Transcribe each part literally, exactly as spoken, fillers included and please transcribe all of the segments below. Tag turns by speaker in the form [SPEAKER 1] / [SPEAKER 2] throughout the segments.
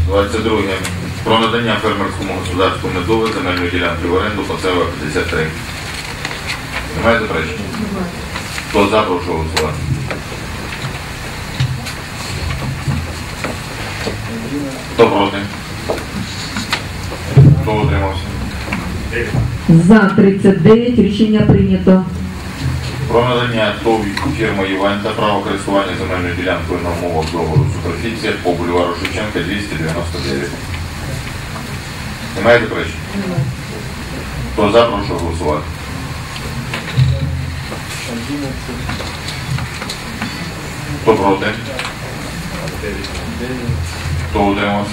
[SPEAKER 1] двадцять друге. Про надання фермерському господарству Медове земельної ділянки в оренду Пацева п'ятдесят три. Немає заперечень? Хто за, прошу голосувати. Хто проти? Хто утримався?
[SPEAKER 2] За тридцять дев'ять. Рішення прийнято.
[SPEAKER 1] Про надання ТОВ фірма Іванта право користування земельною ділянкою на умовах договору суперфіція по бульвару Шевченка двісті дев'яносто дев'ять. Немає заперечень? Хто за, прошу голосувати. Хто проти? Хто утримався?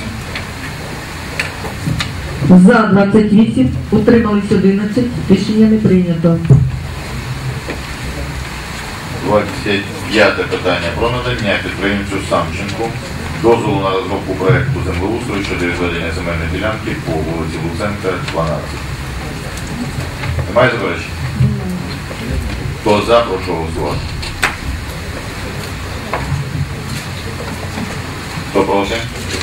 [SPEAKER 2] За двадцять вісім. Утримались одинадцять. Рішення не прийнято.
[SPEAKER 1] двадцять п'яте питання. Про надання підприємцю Самченку дозволу на розробку проєкту землеустрою щодо відведення земельної ділянки по вулиці Луценка, дванадцять. Немає заперечень? Хто за, прошу голосувати. Хто проти?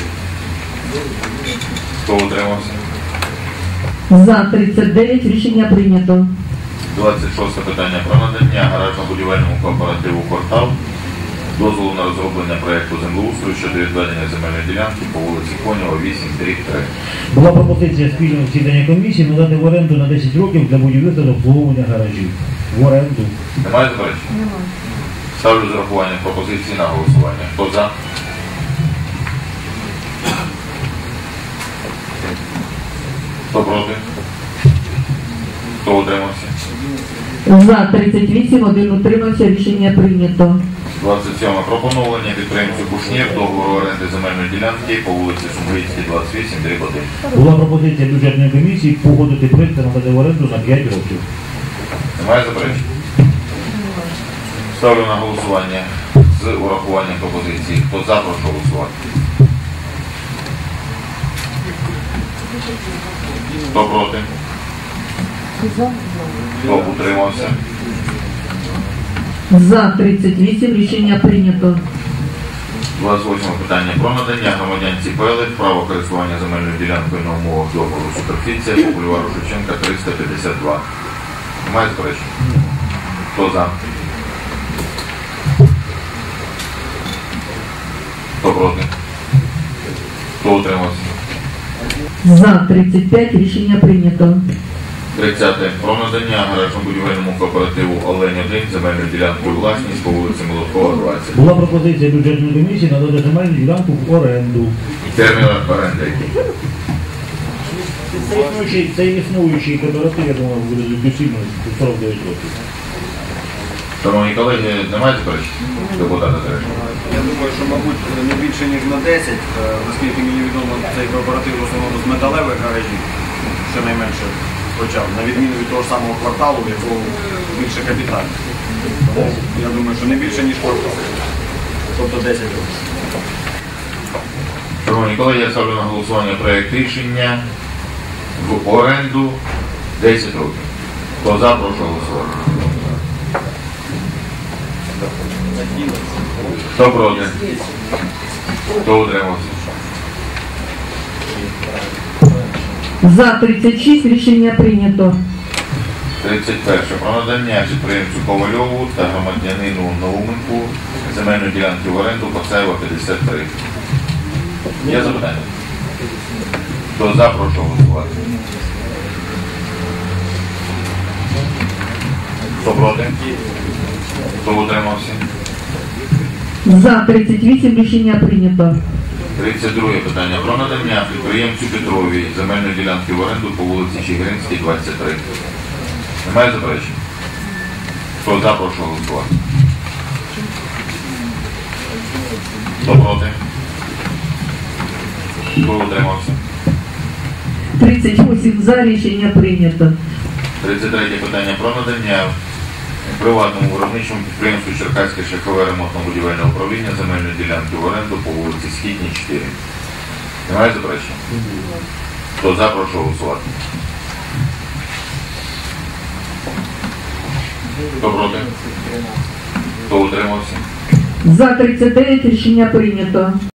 [SPEAKER 1] Хто утримався?
[SPEAKER 2] За тридцять дев'ять. Рішення прийнято.
[SPEAKER 1] двадцять шосте питання. Про надання гаражно-будівельному кооперативу «Квартал» дозволу на розроблення проєкту землеустрою щодо відведення земельної ділянки по вулиці Конєва, вісім, дріб три.
[SPEAKER 3] Була пропозиція спільного засідання комісії надати в оренду на десять років для будівництва та обслуговування гаражів. В оренду.
[SPEAKER 1] Немає заперечень?
[SPEAKER 2] Немає.
[SPEAKER 1] Ставлю з урахуванням пропозиції на голосування. Хто за? Хто проти? Хто утримався?
[SPEAKER 2] За тридцять вісім. Один утримався. Рішення прийнято.
[SPEAKER 1] двадцять сьоме. Про поновлення підприємцю Кушнір договору оренди земельної ділянки по вулиці Сумгийській, двадцять вісім, дріб один.
[SPEAKER 3] Була пропозиція бюджетної комісії погодити проєкт та надати в оренду на п'ять років.
[SPEAKER 1] Немає заперечень? Ставлю на голосування з урахуванням пропозиції. Хто за, прошу голосувати. Хто проти? Хто утримався?
[SPEAKER 2] За тридцять вісім. Рішення прийнято.
[SPEAKER 1] двадцять восьме питання. Про надання громадянці Пелих право користування земельною ділянкою на умовах договору суперфіція по бульвару Шевченка, триста п'ятдесят два. Немає заперечень? Хто за? Хто проти? Хто утримався?
[SPEAKER 2] За тридцять п'ять. Рішення прийнято.
[SPEAKER 1] тридцяте. Про надання гаражно-будівельному кооперативу «Олень один» земельною ділянкою власність по вулиці Молоткова, двадцять.
[SPEAKER 3] Була пропозиція бюджетної комісії надати земельну ділянку в оренду.
[SPEAKER 1] Термін оренди який?
[SPEAKER 3] Це існуючий, це існуючий кооператив, я думаю, буде доцільно сорок дев'ять років.
[SPEAKER 1] Шановні колеги, немає заперечень? Депутата Терешко.
[SPEAKER 4] Я думаю, що, мабуть, не більше, ніж на десять, оскільки мені відомо, цей кооператив в основному з металевих гаражів, щонайменше почав, на відміну від того ж самого «Кварталу», в якого більше капіталів. Тому я думаю, що не більше, ніж «Квартал». Тобто десять років.
[SPEAKER 1] Шановні колеги, я ставлю на голосування проєкт рішення в оренду десять років. Хто за, прошу голосувати. Хто проти? Хто утримався?
[SPEAKER 2] За тридцять шість. Рішення прийнято.
[SPEAKER 1] тридцять перше. Про надання підприємцю Ковальову та громадянину Науменку земельної ділянки в оренду Пацева, п'ятдесят три. Є запитання? Хто за, прошу голосувати. Хто проти? Хто утримався?
[SPEAKER 2] За тридцять вісім. Рішення прийнято.
[SPEAKER 1] тридцять друге питання. Про надання підприємцю Петровій земельної ділянки в оренду по вулиці Чигиринській, двадцять три. Немає заперечень? Хто за, прошу голосувати. Хто проти? Хто утримався?
[SPEAKER 2] тридцять вісім. За. Рішення прийнято.
[SPEAKER 1] тридцять третє питання. Про надання приватному виробничому підприємству Черкаське шляхове ремонтно-будівельне управління земельної ділянки в оренду по вулиці Східній, чотири. Немає заперечень? Хто за, прошу голосувати. Хто проти? Хто утримався?
[SPEAKER 2] За тридцять дев'ять. Рішення прийнято.